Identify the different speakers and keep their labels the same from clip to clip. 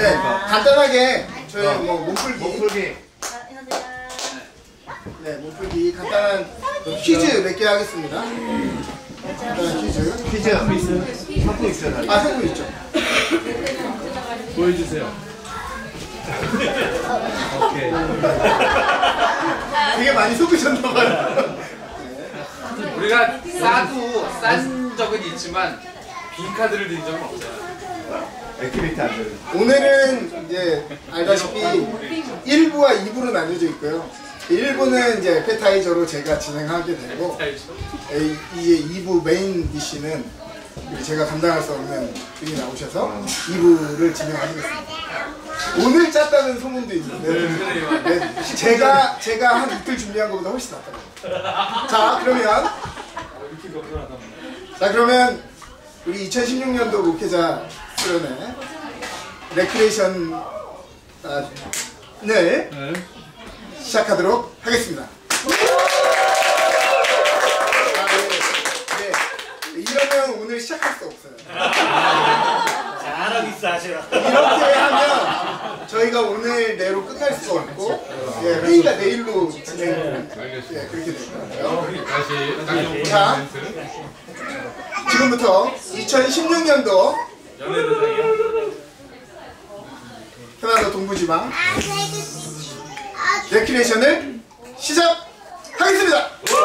Speaker 1: 네, 간단하게 저희 뭐 몸풀기. 네, 몸풀기 간단한 퀴즈 몇 개 하겠습니다. 간단한 퀴즈.
Speaker 2: 상품 있잖아요.
Speaker 1: 아, 상품 있죠.
Speaker 2: 보여주세요. 오케이.
Speaker 1: 되게 많이 속으셨나봐요.
Speaker 3: 우리가 싼 적은 있지만 빈카드를 드린 적은 없잖아요.
Speaker 2: 액티비티 안 되는.
Speaker 1: 오늘은 이제 알다시피 1부와 2부로 나뉘어져 있고요. 1부는 이제 에페타이저로 제가 진행하게 되고, 이제 2부 메인 디시는 제가 감당할 수 없는 분이 나오셔서 2부를 진행하시겠습니다. 오늘 짰다는 소문도 있는데, 네, 제가 한 이틀 준비한 것보다 훨씬 낫더라고요. 자, 그러면 우리 2016년도 목회자 수련회 레크레이션을 시작하도록 하겠습니다. 이러면 오늘 시작할 수 없어요.
Speaker 4: 잘하고 있어, 아시라.
Speaker 1: 이렇게 하면 저희가 오늘 내로 끝날 수가 없고, 회의가 내일로 진행, 그렇게 될 거예요.
Speaker 3: 다시
Speaker 1: 자, 지금부터 2016년도 캐나다 동부지방 레크레이션을 시작하겠습니다.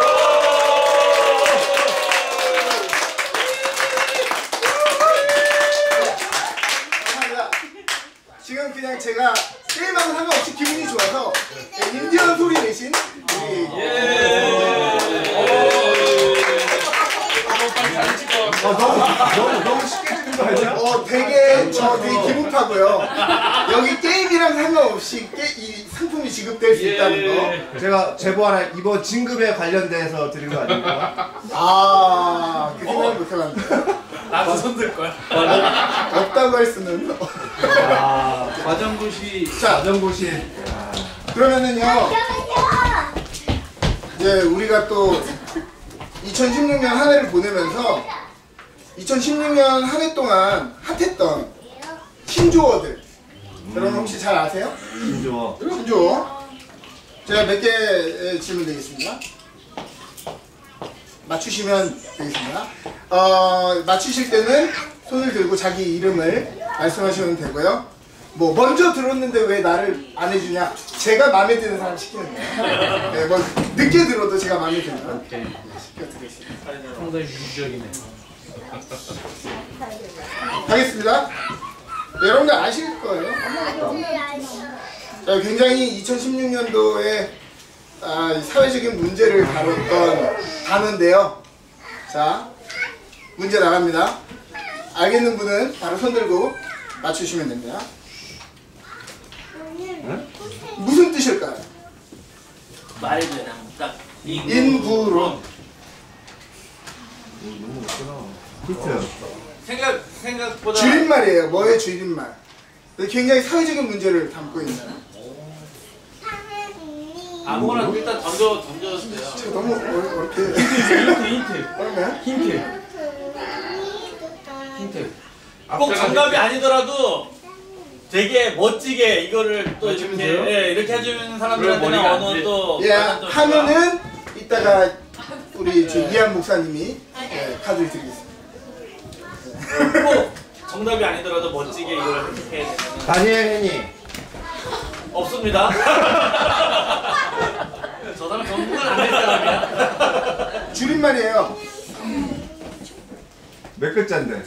Speaker 1: 감사합니다. 지금 그냥 제가 게임하고 상관없이 기분이 좋아서 인디언 소리 내신
Speaker 2: 너무 쉽게 찍는 거 아니야?
Speaker 1: 되게 기분 타고요. 여기 게임이랑 상관없이 이 상품이 지급될 수 있다는 거.
Speaker 2: 제가 제보 하나 이번 진급에 관련돼서 드린 거 아닙니까?
Speaker 1: 그 생각을 못 해봤는데.
Speaker 3: 나도 손들 거야.
Speaker 1: 없다고 할 수는.
Speaker 2: 과정고시.
Speaker 1: 자,
Speaker 2: 과정고시.
Speaker 1: 그러면은요. 이제 우리가 또 2016년 한 해를 보내면서 2016년 한 해 동안 핫했던 신조어들 여러분 혹시 잘 아세요? 신조어 제가 몇 개 질문 드리겠습니다. 맞추시면 되겠습니다. 맞추실 때는 손을 들고 자기 이름을 말씀하시면 되고요. 뭐 먼저 들었는데 왜 나를 안 해주냐, 제가 마음에 드는 사람 시키는 거예요. 네, 뭐 늦게 들어도 제가 마음에 들면 시켜드리겠습니다.
Speaker 4: 상당히 유적이네.
Speaker 1: 가겠습니다. 네, 여러분들 아실 거예요. 자, 굉장히 2016년도에 사회적인 문제를 다뤘던 단어인데요. 자, 문제 나갑니다. 알겠는 분은 바로 손 들고 맞추시면 됩니다. 무슨 뜻일까요?
Speaker 4: 말해줘야 돼. 딱
Speaker 1: 인구론.
Speaker 2: 너무 어렵구나.
Speaker 3: 생각보다
Speaker 1: 줄임말이에요. 뭐의 줄임말? 굉장히 사회적인 문제를 담고 있나요?
Speaker 3: 아무거나 일단 던져주세요.
Speaker 1: 제가 너무 어렵게.
Speaker 4: 힌트. 꼭 정답이 아니더라도 되게 멋지게 이거를 또 이렇게 해주는 사람들한테는 어느 또
Speaker 1: 하면은 이따가 우리 이한 목사님이 카드를 드리겠습니다.
Speaker 4: 꼭 정답이 아니더라도 멋지게 이걸 해야 되면
Speaker 2: 다니엘 헤니.
Speaker 4: 없습니다. 저 사람 정말 안 될 사람이야.
Speaker 1: 줄임말이에요.
Speaker 2: 몇 글자인데?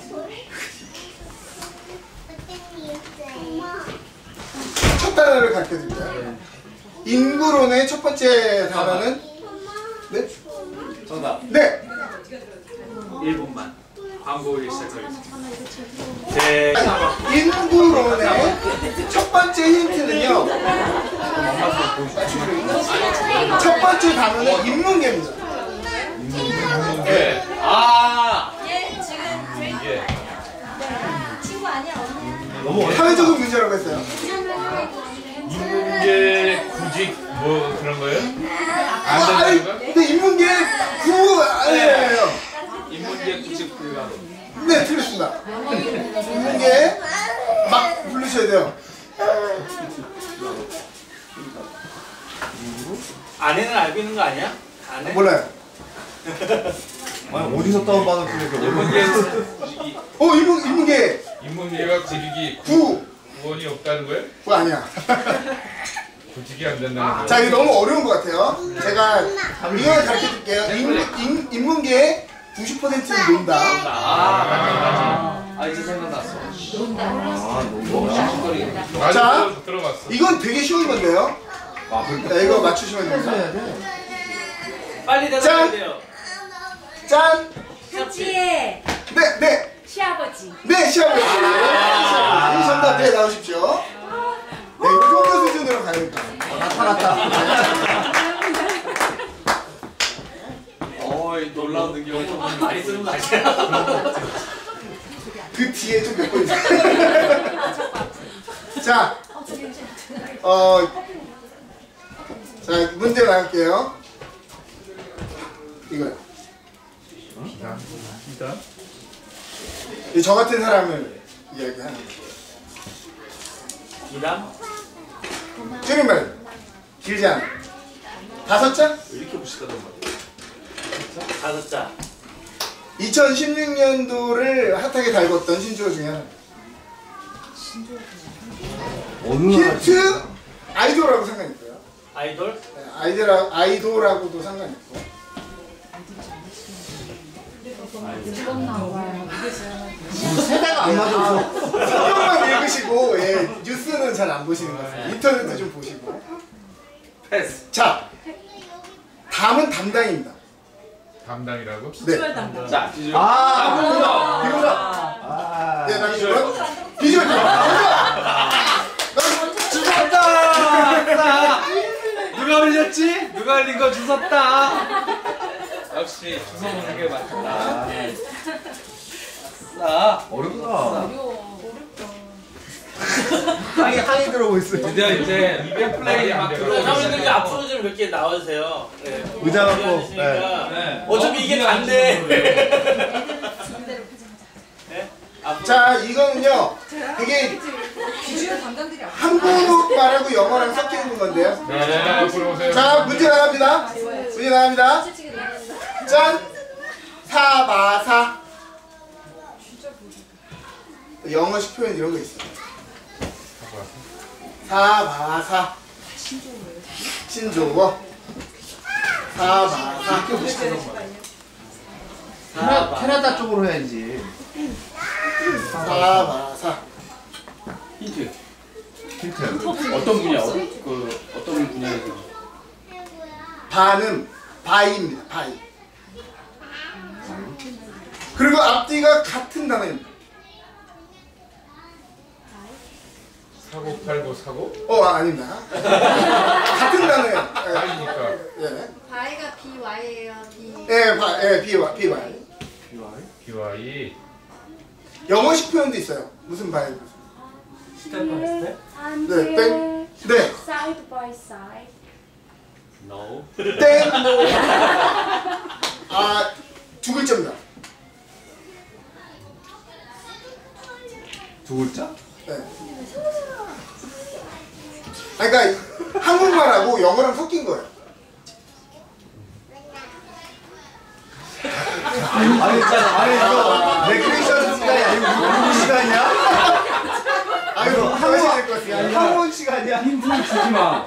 Speaker 1: 첫 단어를 가르쳐드릴게요. 인구론의 첫 번째 단어는 네?
Speaker 3: 정답.
Speaker 1: 네.
Speaker 3: 1분만 광고를 시작하겠습니다.
Speaker 1: 인구론의 첫 번째 힌트는요. 첫 번째 단어는 인문계입니다.
Speaker 3: 네.
Speaker 5: 얘 지금 친구 아니야?
Speaker 2: 너무
Speaker 1: 사회적인 문제라고 했어요.
Speaker 3: 인문계 구직 뭐 그런 거예요?
Speaker 1: 근데 인문계 아니에요.
Speaker 3: 인문계 구직 불가.
Speaker 1: 네, 틀렸습니다. 인문계 막 부르셔야 돼요.
Speaker 4: 아내는 알고 있는 거 아니야? 아내?
Speaker 1: 몰라요.
Speaker 2: 아니 어디서 다운받은 소리가
Speaker 1: 인문계
Speaker 3: 인문계가 구직이
Speaker 1: 9.
Speaker 3: 구원이 없다는 거예요?
Speaker 1: 그거 아니야.
Speaker 3: 구직이 안 된다는 거예요?
Speaker 1: 자, 이거 너무 어려운 것 같아요. 제가 이걸 가르쳐 줄게요. 인문계의 90%는 논다.
Speaker 3: 이제 생각났어.
Speaker 1: 자,
Speaker 3: 맞아, 들어봤어.
Speaker 1: 이건 되게 쉬운 건데요. 자, 이거 맞추시면 됩니다.
Speaker 4: 빨리 대답해야 돼요.
Speaker 1: 짠!
Speaker 5: 현지의
Speaker 1: 네!
Speaker 5: 시아버지.
Speaker 1: 네, 시아버지. 이 정답 네 나오십시오. 네, 이 정도 수준으로 가니까.
Speaker 2: 나타났다.
Speaker 4: 어이 놀라운 능력을 좀 많이 쓰는 거 아니야?
Speaker 1: 그 뒤에 좀 몇 번 있어요. 자, 자, 문제 나갈게요. 이거요. 저 같은 사람을 이야기하는 거예요.
Speaker 4: 기담?
Speaker 1: 줄임말 길지 않아. 5자?
Speaker 4: 다섯 자.
Speaker 1: 2016년도를 핫하게 달궜던 신조어 중에 하나.
Speaker 2: 어느 나라
Speaker 1: 힌트 아이돌하고 상관이 있고요.
Speaker 4: 아이돌?
Speaker 1: 네, 아이돌하고도 상관이 있고.
Speaker 2: 세대가 안 맞아서
Speaker 1: 성경만 읽으시고 예, 뉴스는 잘 안 보시는 것 같아요. 인터넷도 좀 보시고.
Speaker 4: 패스.
Speaker 1: 자, 다음은 담당입니다.
Speaker 3: 담당이라고?
Speaker 1: 네.
Speaker 4: 자, 뒤집어.
Speaker 2: 아
Speaker 1: 네, 나 비주얼. 비주얼.
Speaker 4: 주웠다! 누가 흘렸지? 누가 흘린 거 주웠다! 역시 주워 먹는 게 맞다. 아싸.
Speaker 2: 어렵다. 항이 들어오고 있어요.
Speaker 4: 드디어 이제 이벤트 플레이 막 들어오고
Speaker 3: 사람들이
Speaker 4: 있어요. 앞으로 좀 몇 개 나와주세요. 네.
Speaker 2: 의자 갖고,
Speaker 4: 앉으시니까.
Speaker 3: 네.
Speaker 4: 어차피 이게 단데. 네? 앞으로.
Speaker 1: 자, 이거는요. 되게
Speaker 5: 비주얼 담당들이
Speaker 1: 한국말하고 영어랑 섞여 있는 건데요.
Speaker 3: 네, 들어오세요.
Speaker 1: 자, 문제 나갑니다. 문제 나갑니다. 짠! 사바사. 영어식 표현 이런 거 있어요. 사바사. 신조어. 사바사.
Speaker 2: 캐나다 쪽으로 해야지.
Speaker 1: 사바사.
Speaker 3: 힌트.
Speaker 2: 힌트.
Speaker 3: 어떤 분야? 어떤 분야에서?
Speaker 1: 바는 바이입니다. 바이. 그리고 앞뒤가 같은 단어입니다.
Speaker 3: 사고 팔고 사고?
Speaker 1: 아닙니다. 같은 단어예요.
Speaker 3: 아니니까.
Speaker 1: 예.
Speaker 5: 바이가 BY예요. B.
Speaker 1: 예, BY.
Speaker 3: BY.
Speaker 1: 영어식 표현도 있어요. 무슨 바이?
Speaker 4: 스텝 바이 스텝?
Speaker 1: 네, 땡. 네.
Speaker 5: Side by side.
Speaker 4: No.
Speaker 1: 땡. 두 글자입니다.
Speaker 2: 두 글자?
Speaker 1: 네. 그러니까 한국말하고 영어랑 섞인 거예요.
Speaker 2: 아니 이거 레크레이션 시간이 아니고 공부 시간이야?
Speaker 1: 이거 하셔야 될 것 같아요.
Speaker 2: 학원 시간이야?
Speaker 6: 힌트 주지 마.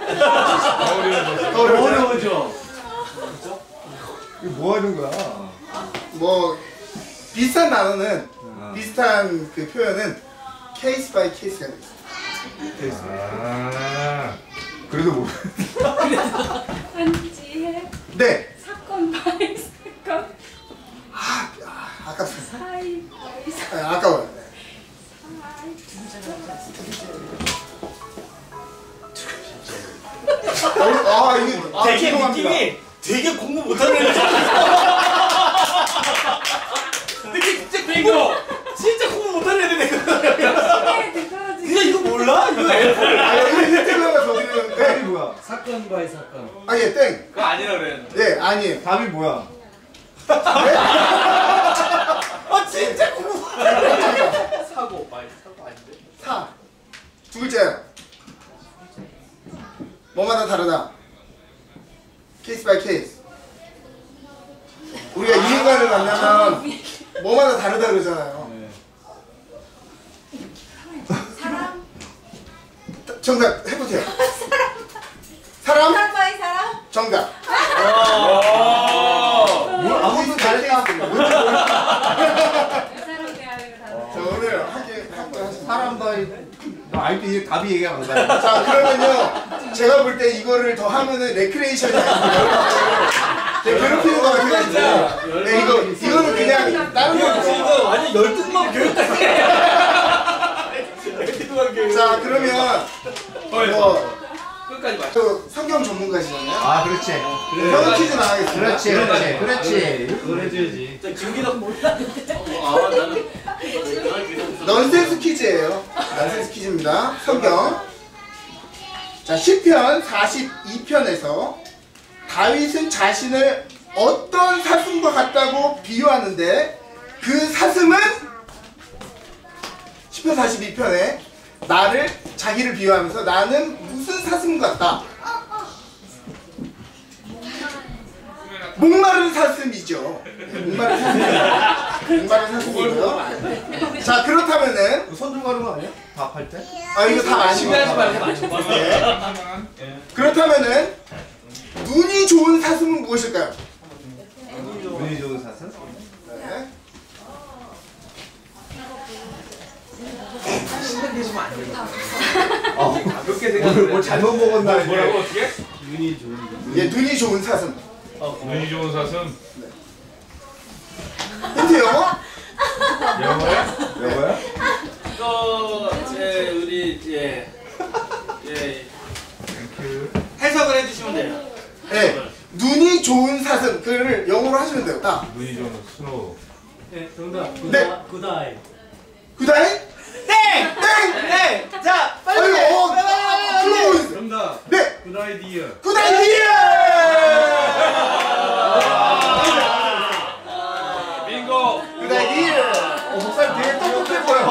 Speaker 2: 어려워져. 이거 뭐 하는 거야?
Speaker 1: 뭐 비슷한 단어는 비슷한 그 표현은 케이스 바이 케이스가 있어요.
Speaker 2: 그래도 뭐?
Speaker 5: 한지의
Speaker 1: 네.
Speaker 5: 사건 바이 사건.
Speaker 1: 아깝습니다.
Speaker 5: 사이 바이 사이.
Speaker 1: 아까워요. 네. 이게
Speaker 4: 되게
Speaker 1: 죄송합니다.
Speaker 4: 느낌이 되게 공부 못하는 애들 느낌 진짜 bingo! 진짜 공부 못하는 애들 그냥 이거 몰라? 이거
Speaker 1: 여기 힌트를 하나 더 드리는데
Speaker 2: 답이 뭐야?
Speaker 6: 사건 바이 사건.
Speaker 1: 예, 땡.
Speaker 4: 그거 아니라 그랬는데
Speaker 1: 예, 아니에요.
Speaker 2: 답이 뭐야?
Speaker 4: 진짜 공부
Speaker 3: 사고 많이 사고 아닌데?
Speaker 1: 사. 사람마다 다르다. 케이스 바이 케이스. 우리가 이 인간을 만나면 뭐마다 다르다 그러잖아요.
Speaker 5: 사람?
Speaker 1: 정답 해보세요. 사람?
Speaker 5: 사람 바이 사람?
Speaker 1: 정답.
Speaker 2: 아무도 잘했다.
Speaker 5: 사람 대하여 다른.
Speaker 1: 자, 오늘 한번 하시죠.
Speaker 2: 사람 바이. 아이도 답이 얘기가 안 나.
Speaker 1: 자, 그러면요. 제가 볼 때 이거를 더 하면은 레크레이션이 아니고 괴롭히는 거 같아가지고. 네, 이거는 그냥 다른
Speaker 4: 이거
Speaker 1: 거죠.
Speaker 4: 지금 완전 열등만 교육까지. 열등만 교육.
Speaker 1: 자, 그러면 뭐
Speaker 4: 끝까지 맞.
Speaker 1: 또 성경 전문가시잖아요.
Speaker 2: 아, 그렇지.
Speaker 1: 형 퀴즈 나가겠습니다.
Speaker 2: 그렇지.
Speaker 6: 그걸 해줘야지.
Speaker 4: 김기덕 몰랐는데. 나는.
Speaker 1: 넌센스 퀴즈예요. 넌센스 퀴즈입니다. 성경. 자, 시편 42편에서 다윗은 자신을 어떤 사슴과 같다고 비유하는데 그 사슴은 시편 42편에 나를 자기를 비유하면서 나는 무슨 사슴 같다. 목마른 사슴이죠. 목마른 사슴이고요. 목마른 사슴이고요. 자, 그렇다면은
Speaker 2: 손 가는 거 아니야? 답할 때?
Speaker 1: 아, 이거 다 아시고
Speaker 4: 신뢰하지 말고 맞춰.
Speaker 1: 네. 그렇다면은 눈이 좋은 사슴은 무엇일까요?
Speaker 2: 눈이 좋은 사슴?
Speaker 1: 네.
Speaker 6: 가볍게
Speaker 2: 뭘 잘못 먹었나?
Speaker 3: 뭐라고 어떻게?
Speaker 6: 눈이 좋은
Speaker 1: 예, 눈이 좋은 사슴.
Speaker 3: 눈이 좋은 사슴.
Speaker 1: 힌트 영어?
Speaker 3: 영어야?
Speaker 2: 여보야?
Speaker 4: 이거 우리 해석을 해주시면 돼요.
Speaker 1: 네. 눈이 좋은 사슴. 그를 영어로 하시면 돼요. 딱.
Speaker 3: 눈이 좋은 스노우.
Speaker 6: 네, 정답.
Speaker 1: 네.
Speaker 6: 굿아이.
Speaker 1: 그다음?
Speaker 4: 땡!
Speaker 1: 땡!
Speaker 4: 네! 자, 빨리!
Speaker 1: 아이고, 클로즈.
Speaker 6: 정답.
Speaker 1: 네.
Speaker 6: 굿아이디어.
Speaker 1: 그다음
Speaker 3: 빙고.
Speaker 1: 그다음
Speaker 2: 목사님 되게 똑똑해 보여.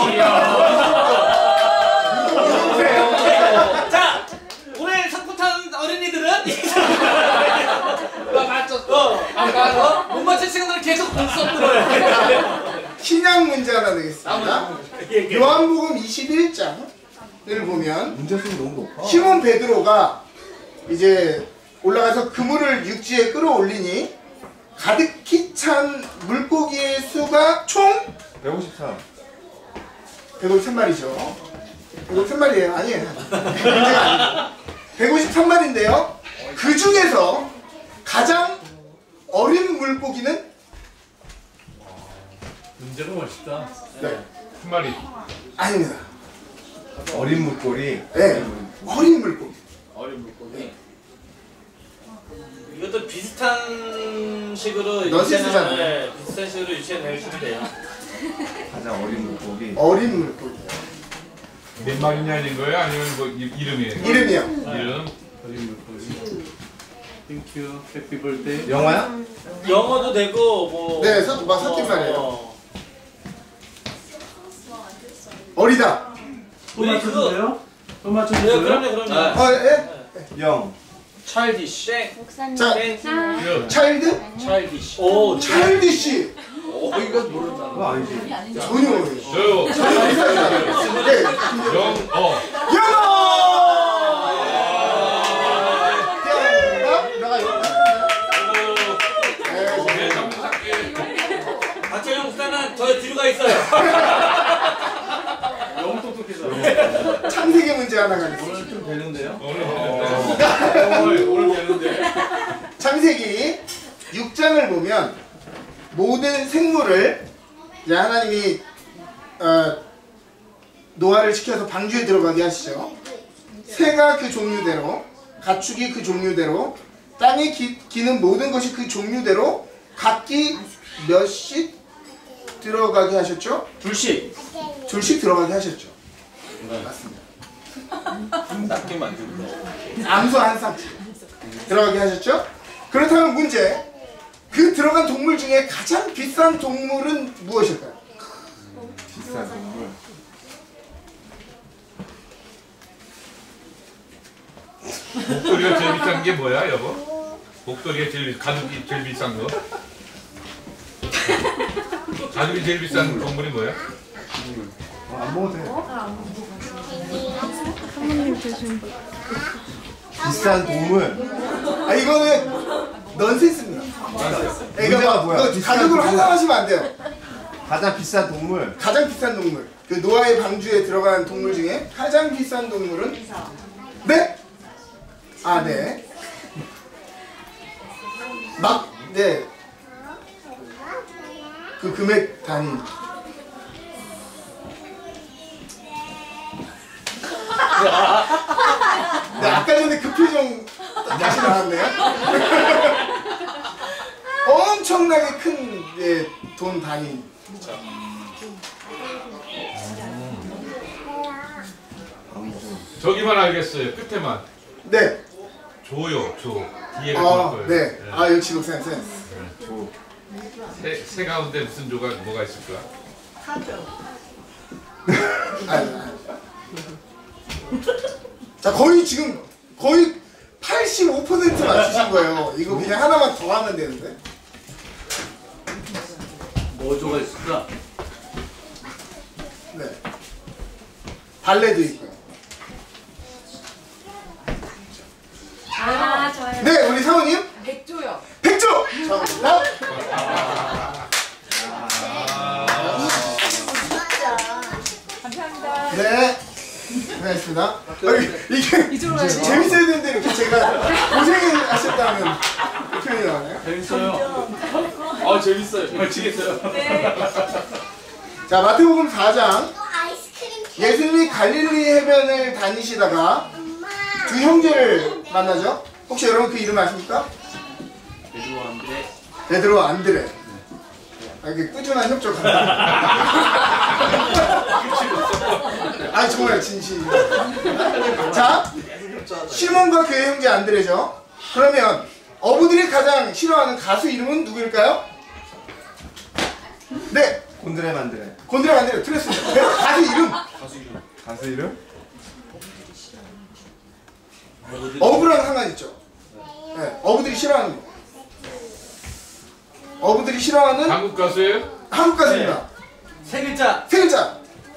Speaker 4: 자, 오늘 상품 탄 어린이들은 나 맞췄어. 못 맞춘 친구들은 계속 공수업 들어요.
Speaker 1: 신약 문제 하나 내겠습니다. 요한복음 21장을 보면
Speaker 2: 문제수가 너무 높아.
Speaker 1: 시몬 베드로가 이제 올라가서 그물을 육지에 끌어올리니 가득히 찬 물고기의 수가 총
Speaker 2: 153.
Speaker 1: 153마리죠. 153마리예요. 아니에요. 문제가 아니에요. 153마리인데요. 그 중에서 가장 어린 물고기는
Speaker 6: 문제가 멋있다.
Speaker 1: 네.
Speaker 3: 한 마리.
Speaker 1: 아닙니다.
Speaker 2: 어린 물고기.
Speaker 1: 네. 어린 물고기.
Speaker 4: 어린 물고기. 이것도 비슷한 식으로
Speaker 1: 넌센스잖아요.
Speaker 4: 네, 비슷한 식으로 유치해내시면 돼요.
Speaker 2: 가장 어린 물고기.
Speaker 1: 어린 물고기요.
Speaker 3: 몇 마리냐는 거예요? 아니면 뭐 이름이에요?
Speaker 1: 이름이요.
Speaker 3: 이름.
Speaker 6: 어린 물고기. 땡큐. 해피 벌데이.
Speaker 2: 영화야?
Speaker 4: 영어도 되고 뭐.
Speaker 1: 네, 섞인 말이에요. 어리다.
Speaker 6: 또
Speaker 4: 네,
Speaker 6: 맞춰주세요? 또
Speaker 4: 네,
Speaker 6: 맞춰주세요?
Speaker 4: 그럼요.
Speaker 1: 예?
Speaker 2: 영.
Speaker 4: 차일디시. 땡.
Speaker 5: 목사님.
Speaker 1: 자,
Speaker 3: 이름.
Speaker 1: 차일드?
Speaker 4: 차일디시. 오,
Speaker 1: 차일디시.
Speaker 4: 이거 모른다.
Speaker 2: 그거 아니지.
Speaker 1: 전혀.
Speaker 3: 저요.
Speaker 1: 네.
Speaker 3: 영어.
Speaker 1: 영어! 내가 이거
Speaker 3: 네, 전부 할게.
Speaker 4: 박재영 목사는 저 뒤로 가 있어요.
Speaker 6: 너무 똑똑해서.
Speaker 1: 창세기 문제 하나 가겠습니다.
Speaker 6: 오늘 좀 되는데요?
Speaker 3: 오늘 되는데.
Speaker 1: 창세기 6장을 보면 모든 생물을 이제 하나님이 노아를 시켜서 방주에 들어가게 하시죠. 새가 그 종류대로, 가축이 그 종류대로, 땅에 기는 모든 것이 그 종류대로 각기 몇씩 들어가게 하셨죠?
Speaker 4: 둘씩.
Speaker 1: 둘씩 들어가게 하셨죠. 맞습니다.
Speaker 4: 낮게 만들고.
Speaker 1: 암소 한 쌍씩 들어가게 하셨죠? 그렇다면 문제, 그 들어간 동물 중에 가장 비싼 동물은 무엇일까요?
Speaker 2: 비싼 동물.
Speaker 3: 목소리가 제일 단 게 뭐야, 여보? 목도리가 가죽이 제일 비싼 거. 가죽이 제일 비싼 동물이 뭐야?
Speaker 2: 안 먹어도 돼.
Speaker 7: 사모님 조심.
Speaker 2: 비싼 동물.
Speaker 1: 아 이거는 넌센스입니다.
Speaker 2: 문제가 뭐야?
Speaker 1: 이거
Speaker 2: 비싼
Speaker 1: 가격으로
Speaker 2: 동물.
Speaker 1: 환산하시면 안 돼요.
Speaker 2: 가장 비싼 동물.
Speaker 1: 가장 비싼 동물. 그 노아의 방주에 들어간 동물 중에 가장 비싼 동물은 네? 아 네. 네. 그 금액 단위. 네, 아까 전에 그 표정 다시 나왔네요. 엄청나게 큰 돈 단위.
Speaker 3: 저기만 알겠어요. 끝에만.
Speaker 1: 네.
Speaker 3: 조요, 조. 뒤에가
Speaker 1: 아,
Speaker 3: 좋을 거예요.
Speaker 1: 네. 아 역시 녹센스.
Speaker 3: 새 가운데 무슨 조가 뭐가 있을까?
Speaker 1: 자 거의 지금 거의 85% 맞추신 거예요. 이거 그냥 하나만 더 하면 되는데.
Speaker 4: 뭐조가 있을까?
Speaker 1: 네. 발레도 있고요.
Speaker 5: 아, 저요.
Speaker 1: 네, 우리 사모님
Speaker 5: 백조요.
Speaker 1: 백조. 정답.
Speaker 5: 감사합니다.
Speaker 1: 네. 고생하셨습니다. 이게 재밌어야 되는데 이렇게 제가 고생하셨다는 표현이 나와요.
Speaker 4: 재밌어요. 아 재밌어요. 미치겠어요.
Speaker 5: 네.
Speaker 1: 자, 마태복음 4장.
Speaker 8: 아이스크림
Speaker 1: 예수님이 갈릴리 해변을 다니시다가 두 형제를 만나죠. 혹시 여러분 그 이름 아십니까?
Speaker 4: 베드로 안드레.
Speaker 1: 베드로 안드레. 아, 이게 꾸준한 협조가. 아 정말 진심. 자, 시몬과 그의 형제 안드레죠. 그러면 어부들이 가장 싫어하는 가수 이름은 누구일까요? 네,
Speaker 2: 곤드레 만드레.
Speaker 1: 곤드레 안드레 틀렸습니다. 네, 가수 이름.
Speaker 2: 가수 이름?
Speaker 1: 어부랑 상관 있죠. 네, 어부들이 싫어하는 거. 어부들이 싫어하는
Speaker 3: 한국 가수예요?
Speaker 1: 한국 가수입니다.
Speaker 4: 세 글자.
Speaker 1: 세 글자.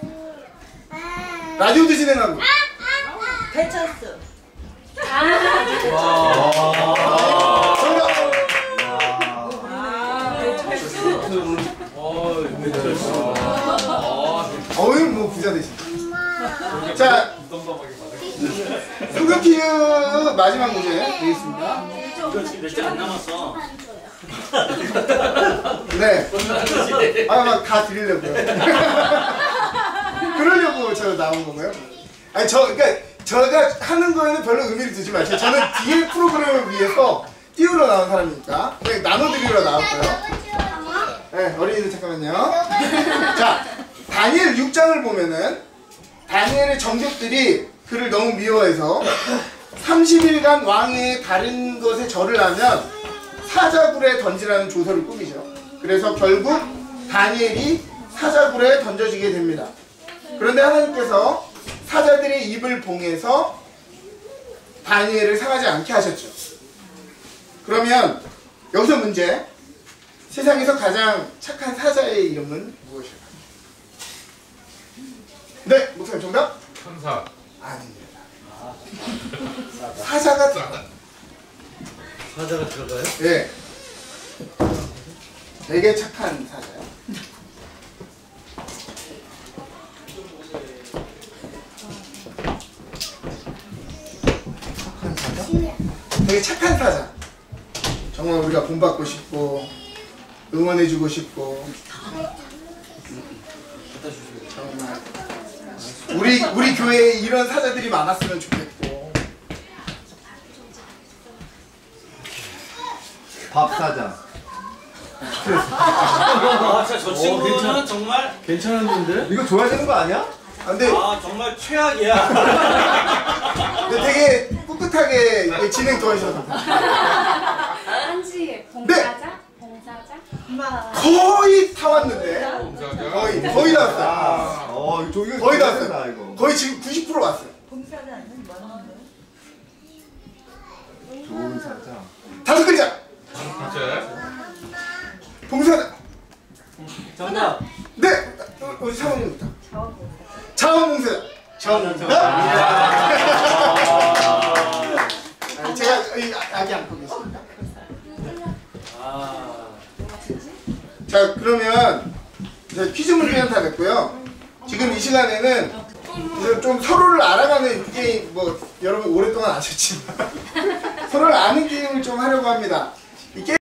Speaker 1: 라디오도 진행하고.
Speaker 5: 배철수.
Speaker 1: 정답. 어이 뭐 부자 되신. 자, 소금 퀴즈 마지막 문제 되겠습니다.
Speaker 4: 이거 지금 몇 장 안 남았어.
Speaker 1: 네. 아, 막 다 드리려고요. 그러려고 저 나온 건가요? 아니 그러니까 제가 하는 거에는 별로 의미를 두지 마세요. 저는 뒤에 프로그램을 위해서 띄우러 나온 사람이니까 그냥 나눠드리러 나왔고요. 네, 어린이들 잠깐만요. 자, 다니엘 6장을 보면은 다니엘의 정족들이 그를 너무 미워해서 30일간 왕의 다른 것에 절을 하면 사자굴에 던지라는 조서를 꾸미죠. 그래서 결국 다니엘이 사자굴에 던져지게 됩니다. 그런데 하나님께서 사자들의 입을 봉해서 다니엘을 상하지 않게 하셨죠. 그러면 여기서 문제. 세상에서 가장 착한 사자의 이름은 무엇일까요? 네, 목사님 정답?
Speaker 3: 천사.
Speaker 1: 아닙니다. 사자가
Speaker 4: 사자가 들어가요?
Speaker 1: 네. 되게 착한 사자요. 착한 사자? 되게 착한 사자. 정말 우리가 본받고 싶고 응원해주고 싶고 정말 우리 교회에 이런 사자들이 많았으면 좋겠고.
Speaker 2: 밥사자.
Speaker 4: 아, 진짜 저 친구는 정말
Speaker 6: 괜찮았는데?
Speaker 2: 이거 줘야 되는 거 아니야?
Speaker 1: 근데
Speaker 4: 아 정말 최악이야.
Speaker 1: 되게 꿋꿋하게 진행 도와주셔서
Speaker 5: 한지 봉사자? 봉사자?
Speaker 1: 거의 다 왔는데
Speaker 3: 봉사자.
Speaker 1: 거의 다 왔어요.
Speaker 2: 이거
Speaker 1: 거의 다
Speaker 2: 줘야 된다,
Speaker 1: 왔어요.
Speaker 2: 이거.
Speaker 1: 거의 지금 90% 왔어요.
Speaker 8: 봉사자는 맞는데.
Speaker 1: 다섯 글자.
Speaker 3: 글자.
Speaker 1: 봉사자.
Speaker 6: 정답.
Speaker 1: 네. 우리 사모님부터. 자원봉사자. 자원봉사자. 제가 아기 안고 계십니다. 자, 그러면 이제 퀴즈 문제는 다 됐고요. 지금 이 시간에는 이제 좀 서로를 알아가는 게임, 뭐 여러분 오랫동안 아셨지만 서로를 아는 게임을 좀 하려고 합니다. 이 게임